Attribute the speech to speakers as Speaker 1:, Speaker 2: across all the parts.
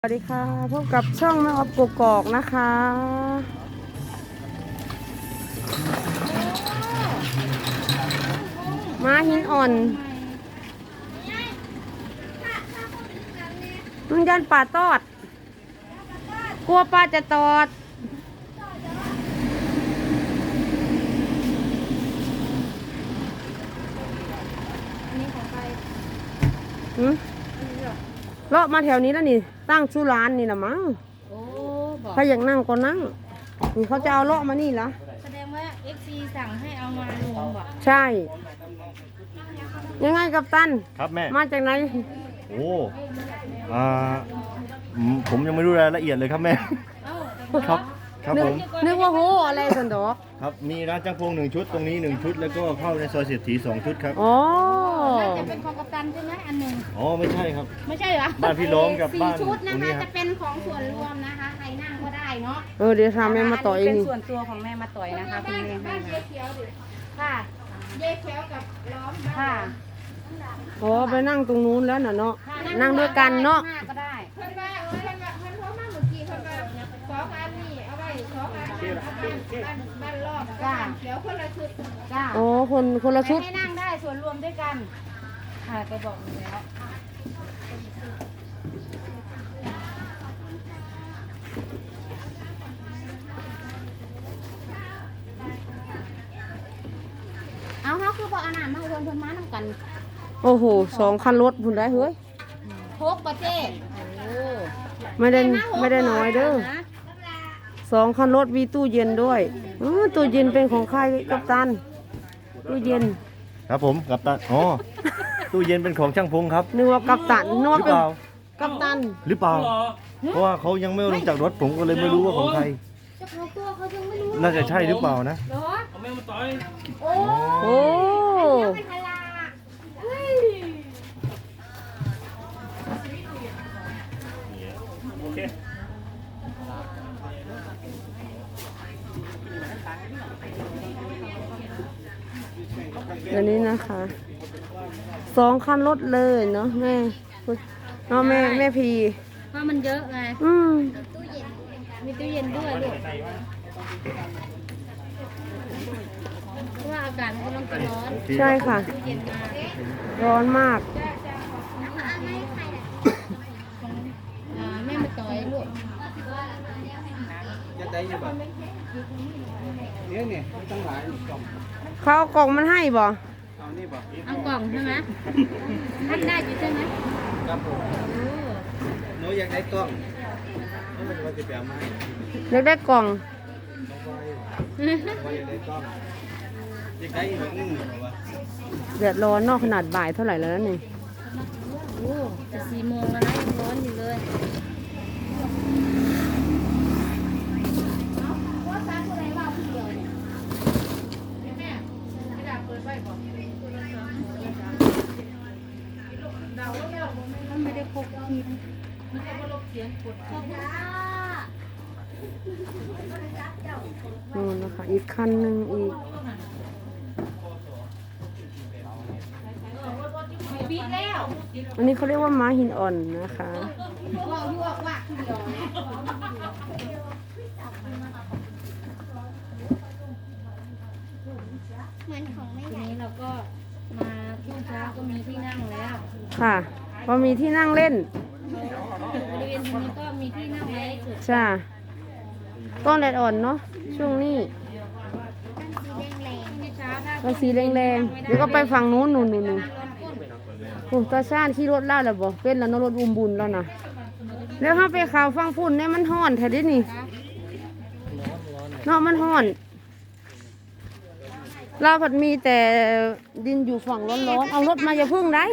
Speaker 1: สวัสดีค่ะพบกับช่องแม่ออฟกกอกนะคะม้าหินอ่อนมันยันป่าตอดกลัวปลาจะตอดเลาะมาแถวนี้แล้วนี่ตั้งชื่อร้านนี่ละมั้งถ้าอยากนั่งก็นั่งนี่เขาจะเอาเลาะมานี่ละ
Speaker 2: แสดงว่า FC สั่งให้เอามาลงบ่
Speaker 1: ใช่ยังไงกัปตัน
Speaker 3: ครับแม่
Speaker 1: มาจากไหน
Speaker 3: โอ้อ่าผมยังไม่รู้รายละเอียดเลยครับแม่ครับครับผม
Speaker 1: นึกว่าโหอะไรสันดอก
Speaker 3: ครับมีร้านจ้างพง1 ชุดตรงนี้1 ชุดแล้วก็เข้าในซอยเศรษฐี2 ชุดครับ
Speaker 1: อ๋อ
Speaker 2: น่าจะเป็นของกัปตันใช่ไหมอันหนึ่ง
Speaker 3: อ๋อไม่ใช่ครับ
Speaker 2: ไม่ใช่เหรอ
Speaker 3: บ้านพี่ล้อมกับบ้าน
Speaker 2: 4 ชุด
Speaker 3: ตร
Speaker 2: นะ
Speaker 3: งนี้
Speaker 2: คะ
Speaker 3: ครั
Speaker 2: จะ
Speaker 3: บ
Speaker 2: เป็นของส่วนรวมนะคะใครนั่งก็ได้เนาะ
Speaker 1: เดี๋ยวทำแม่มาต่อย
Speaker 2: เป็น
Speaker 1: นี่
Speaker 2: ส่วนตัวของแม่มาต่อยนะคะคุณแม่ให้ค่ะเย่เขียวกับล้อมค่ะ
Speaker 1: อ๋อไปนั่งตรงนู้นแล้วน่ะเนาะนั่งด้วยกันเนาะ
Speaker 2: ก็ได้
Speaker 4: เพิ่นว่าเพิ่นโทรมาเมื่อกี้เพิ่นว่า2 อันนี่เอาไว้2 อันบ้านรอบบ้านเขียวคนละชุด
Speaker 2: จ้า
Speaker 1: อ๋อคนละชุด
Speaker 2: ให้นั่งได้ส่วนรวมด้วยกันค่ะไปบอกหนูแล้วเอาเขาคือบอกอาหารมาเพิ่นมาน้ำกัน
Speaker 1: โอ้โห2 คันรถพุ่นได้เฮ้ย
Speaker 2: พกประเทศ
Speaker 1: ไม่ได้น้อยเด้อ2 คันรถมีตู้เย็นด้วยตู้เย็นเป็นของใครกัปตันตู้เย็น
Speaker 3: ครับผมกัปตันอ๋อตู้เย็นเป็นของช่างพงครับ
Speaker 1: นึกว่ากัปตันนึกว่าเป็นกัปตัน
Speaker 3: หรือเปล่าเพราะว่าเขายังไม่ลงจากรถผมก็เลยไม่รู้ว่าของใคร
Speaker 2: เจ้าของตัวเขายังไม่รู้
Speaker 3: น่าจะใช่หรือเปล่านะ
Speaker 2: เหรอเอาแม่มาต่อยโอ้เป็นพลา
Speaker 3: โอเค
Speaker 1: เดี๋ยวนี้นะคะ2 คันรถเลยเนาะแม่เนาะแม่พี
Speaker 2: เพราะมันเยอะไงมีตู้เย็นด้วยลูกเพราะว่าอากาศมันกำลังจะร้อน
Speaker 1: ใช่ค่ะร้อนมาก
Speaker 2: แม่มาต่อยลูก
Speaker 1: เขาเอากล่องมันให้บ่
Speaker 2: เอากล่องใช่ไหมท่านได้อยู่ใช่ไหม
Speaker 3: ครับผมหนูอยากได้กล้อง
Speaker 1: อยากได้กล่องเดือดร้อนนอกขนาดบ่ายเท่าไหร่แล้วนี่
Speaker 2: โอ้จะ4 โมงแล้วนะยังร้อนอยู่เลยไม่ได้พกคีย์
Speaker 1: นู่นนะคะอีกคันหนึ่งอีกอันนี้เขาเรียกว่าม้าหินอ่อนนะคะ
Speaker 2: ทีนี้เราก็มาช่วงเช้าก็มีที่นั่งแล้ว
Speaker 1: ค่ะพอมีที่นั่งเล่น
Speaker 2: บริเวณตรงนี้ก็มีที่นั่งไว้สุด
Speaker 1: ใช่ต้นแดดอ่อนเนาะช่วงนี้ก็สีแรงๆเดี๋ยวก็ไปฝั่งนู้นนู่นโอ้ตาชาญขี่รถล่าแล้วบ่เป็นแล้วนรถอุ้มบุญแล้วนะแล้วถ้าไปข่าวฟังฝุ่นเนี่ยมันห้อนแท้ดินี่เนาะมันห้อนเราผัดมีแต่ดินอยู่ฝั่งร้อนๆเอารถมาอย่าพึ่งได้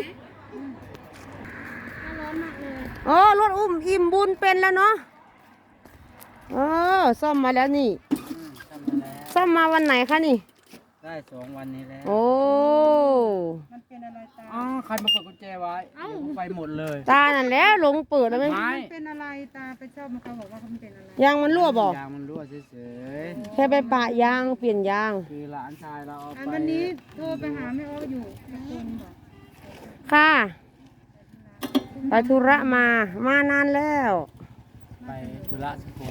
Speaker 1: โอ้รถอุ้มอิ่มบุญเป็นแล้วเนาะซ่อมมาแล้วนี่ซ่อมมาวันไหนคะนี่
Speaker 5: ได้2 วันนี้แล้ว
Speaker 1: โอ้
Speaker 4: มันเป็นอะไรตา
Speaker 5: ใครมาเปิดกุญแจไว้ไปหมดเลย
Speaker 1: ตานั่นแล้วลงเปิดแล้วไหม
Speaker 4: เป็นอะไรตาไปชอบมันเขาบอกว่าเขาเป็นอะไร
Speaker 1: ยางมันรั่วบอก
Speaker 5: ยางมันรั่วเฉย
Speaker 1: แค่ไปปะยางเปลี่ยนยาง
Speaker 5: คือหลานชายเราเอาไป
Speaker 4: วันนี้โทรไปหาแม่อ้ออยู่
Speaker 1: ค่ะไปธุระมานานแล้ว
Speaker 5: ไปธุระสกล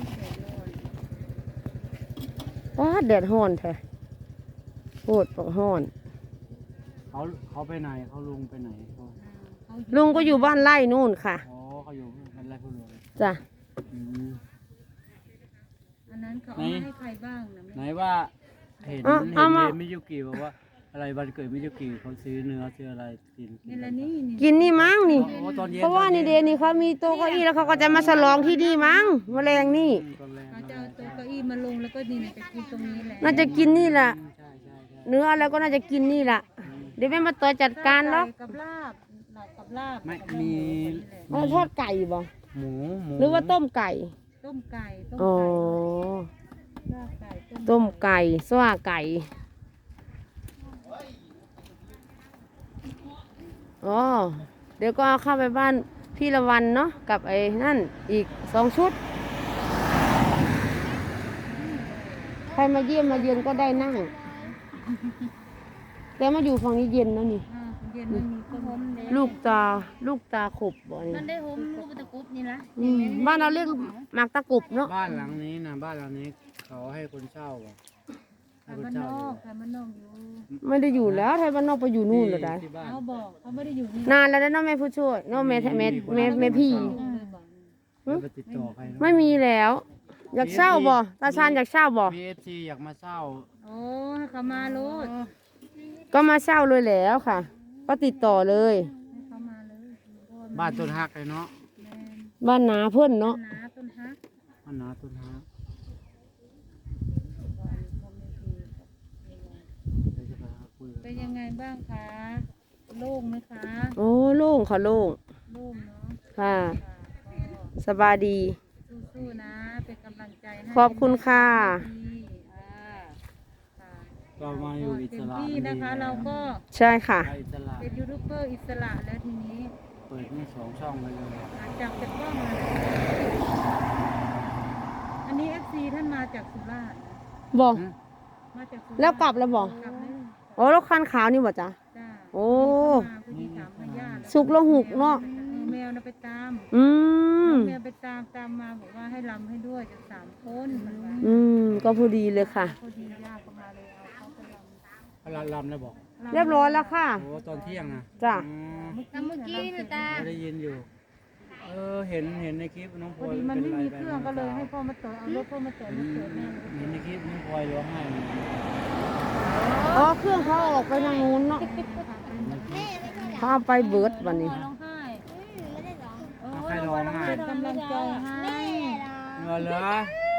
Speaker 1: ว้าแดดร้อนแท้โคตรร้อน
Speaker 5: เขาไปไหนเขาลุงไปไหนเขา
Speaker 1: ลุงก็อยู่บ้านไร่นู่นค่ะ
Speaker 5: อ๋อเขาอยู่เป็นไรผู้หลวง
Speaker 1: จ้ะ
Speaker 5: อืม
Speaker 2: อันนั้นเขาเอามาให้ใครบ้างนะ
Speaker 5: ไหนว่าเห็น
Speaker 1: เอามา
Speaker 5: มิยุกิบอกว่าอะไรวันเกิดมิยุกิเขาซื้อเนื้อซื้ออะไรกิน
Speaker 2: นี่ละนี่นี่
Speaker 1: กินนี่มั้งนี่
Speaker 5: โอ้ตอนเย็น
Speaker 1: เพราะว่านี่เดนี่เขามีโต๊ะเก้าอี้แล้วเขาก็จะมาฉลองที่นี่มั้งแมลงนี่
Speaker 5: ตอนแรก
Speaker 2: เขาจะเอาโต๊ะเก้าอี้มาลงแล้วก็นี่นะจะกินตรงนี้แหละ
Speaker 1: น่าจะกินนี่แหละ
Speaker 5: ใช่ใช่ใช่
Speaker 1: เนื้อแล้วก็น่าจะกินนี่แหละเดี๋ยวแม่มาต่อจัดการหรอก
Speaker 2: กับลาบหลับกับลาบ
Speaker 5: ไม่มี
Speaker 1: เอาทอดไก่บ่
Speaker 5: หมู
Speaker 1: หรือว่าต้มไก่
Speaker 2: ต้มไก่ต้ม
Speaker 1: อ๋อ
Speaker 2: ไก่ลาบไก่
Speaker 1: ต้มไก่สว่าไก่อ๋อเดี๋ยวก็เอาเข้าไปบ้านพี่ละวันเนาะกับไอ้นั่นอีก2 ชุดใครมาเยี่ยมมาเยือนก็ได้นั่งแต่มาอยู่ฝั่งนี้เย็นนะนี่
Speaker 2: เย็นมันมีก็หอมเด้
Speaker 1: ลูกตาขบบ่นี่
Speaker 2: มันได้หอมลูกตะกุบนี่ละ
Speaker 1: บ้านเราเรียกหมากตะกรุบเนาะ
Speaker 5: บ้านหลังนี้นะบ้านหลังนี้เขาให้คนเช่าอ่ะให้
Speaker 2: ขาย
Speaker 5: คน
Speaker 2: บ้าน
Speaker 5: เช่าน
Speaker 2: อกขายบ้านนอกอยู่
Speaker 1: ไม่ได้อยู่แล้วไทยบ้านนอกไปอยู่นู่นเลยได้
Speaker 5: ที่บ้าน
Speaker 2: เขาบอกเขาไม่ได้อยู่นี่
Speaker 1: นานแล้วนะเน้องแม่ผู้ช่วยเน้องแม่พี่
Speaker 5: แล้วไปติดต่อใครเนอะ
Speaker 1: ไม่มีแล้ว อยากเช่าบ่ตาชานอยากเช่าบ่
Speaker 5: มีเอฟซีอยากมาเช่า
Speaker 2: โอ้ให้เขามาโลด
Speaker 1: ก็มาเช่าเลยแล้วค่ะ ก็ติดต่อเลย
Speaker 2: ให้เขามาเลยเพราะว่า
Speaker 5: บ้านต้นฮักเลยเนาะ
Speaker 2: แม่น
Speaker 1: บ้านนาเพื่อนเนาะ
Speaker 2: หนาต้นฮัก
Speaker 5: บ้านนาต้นฮักเดี๋ยวจะไปหาคุยกับ
Speaker 2: เป็นยังไงบ้างคะโล่งไหมคะ
Speaker 1: โอ้โล่งค่ะโล่ง
Speaker 2: โล่งเนาะ
Speaker 1: ค่ะ
Speaker 2: ค่ะก็
Speaker 1: สบายดี
Speaker 2: สู้ๆนะเป็นกำลังใจให้
Speaker 1: ขอบคุณค่ะ
Speaker 2: ดีค่ะ
Speaker 5: เรามาอยู่อิสระ
Speaker 2: เต็มที่นะคะ เราก็
Speaker 1: ใช่ค่ะ
Speaker 5: ไปอิสระ
Speaker 2: เป็นยูทูบเบอร์อิสระแล้วทีนี้
Speaker 5: เปิดนี่2 ช่องเลย
Speaker 2: หลังจากเป็นกล้องมาอันนี้ FC ท่านมาจากสุราษฎร์นะ
Speaker 1: บอก
Speaker 2: มาจากสุราษฎร์
Speaker 1: แล้วกลับแล้วบอก
Speaker 2: กลับเลย
Speaker 1: โอ้แล้วคันขาวนี่บ่จ๊ะ
Speaker 2: จ้า
Speaker 1: โอ้
Speaker 2: มาเพื่อที่ถามพญาติ
Speaker 1: สุกแล้วหุกเนาะ
Speaker 2: แมวนะไปตาม
Speaker 1: อืม
Speaker 2: แมวไปตามมาบอกว่าให้รำให้ด้วยจะ3 คนมันว่า
Speaker 1: อืมก็พอดีเลยค่ะ
Speaker 2: พอดีย่าก็มาเลยเอาเขาไปร
Speaker 5: พลาลำแล้วบอก
Speaker 2: ำ
Speaker 1: เรียบร้อยแล้วค่ะ
Speaker 5: โอ้ตอนเที่ยงนะ
Speaker 1: จ้ะ
Speaker 5: อืม
Speaker 2: เมื่อกี้นะตา
Speaker 5: ได้ยินอยู่ เห็นในคลิปน้องพ
Speaker 2: พ
Speaker 5: ล
Speaker 2: อ
Speaker 5: อย
Speaker 2: ดีมันไม่
Speaker 5: ป็
Speaker 2: มี
Speaker 5: ป
Speaker 2: เครื่องก็เลยให้พ่อมาต่อเอารถพ่อมาต่อมาเกิดแม่เลย
Speaker 5: เห็นในคลิปน้องพลอยร้องไห้
Speaker 1: อ๋อเครื่องเขาออกไปทางนู้นเนาะเขาเอาไปเบิร์ดวันนี้
Speaker 2: ร้องไห้
Speaker 5: เอาใครร้องไห้
Speaker 2: เป็นกำลังใจให้
Speaker 5: เหรอเหรอ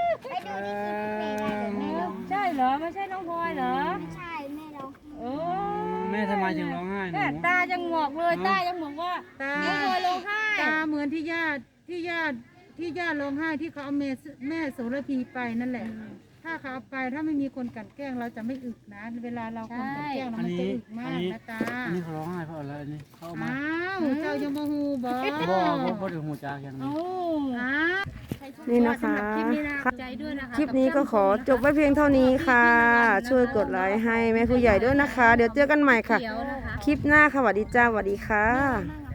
Speaker 2: ใช่เหรอไม่ใช่น้องพลอยเหรอ
Speaker 4: ใช่แม่ร้อง
Speaker 2: โอ้
Speaker 5: แม่ทำไมจึงร้องไห้หนู
Speaker 2: ตายังหงอกเลยตายังบอกว่าน้องพลอยร้องไห้
Speaker 6: ตาเหมือนที่ญาติร้องไห้ที่เขาเอาแม่โสระพีไปนั่นแหละ ถ้าเขาเอาไปถ้าไม่มีคนกลั่นแกล้งเราจะไม่อึกนะ เวลาเราคนกลั่นแกล้งเรา
Speaker 5: อัน
Speaker 6: มัน
Speaker 5: นี้
Speaker 6: จะอึกมากนะตา
Speaker 5: อันนี้เขาร้องไห้เพราะอะไรอันนี้เขาเอามา
Speaker 6: อ้าวเจ้ายังมาฮูบอก
Speaker 5: บ่ถึงหูจากอย่างนี้
Speaker 6: อ้าว
Speaker 1: นี่นะคะ
Speaker 2: คลิปนี้นะใจด้วยนะคะ
Speaker 1: คลิปนี้ก็ขอจบไว้เพียงเท่านี้ค่ะ ช่วยกดไลค์ให้แม่ผู้ใหญ่ด้วยนะคะ เดี๋ยวเจอกันใหม่ค่ะ
Speaker 2: เขียวนะคะ
Speaker 1: คลิปหน้าค่ะสวัสดีจ้าสวัสดีค่ะ
Speaker 2: นั่ง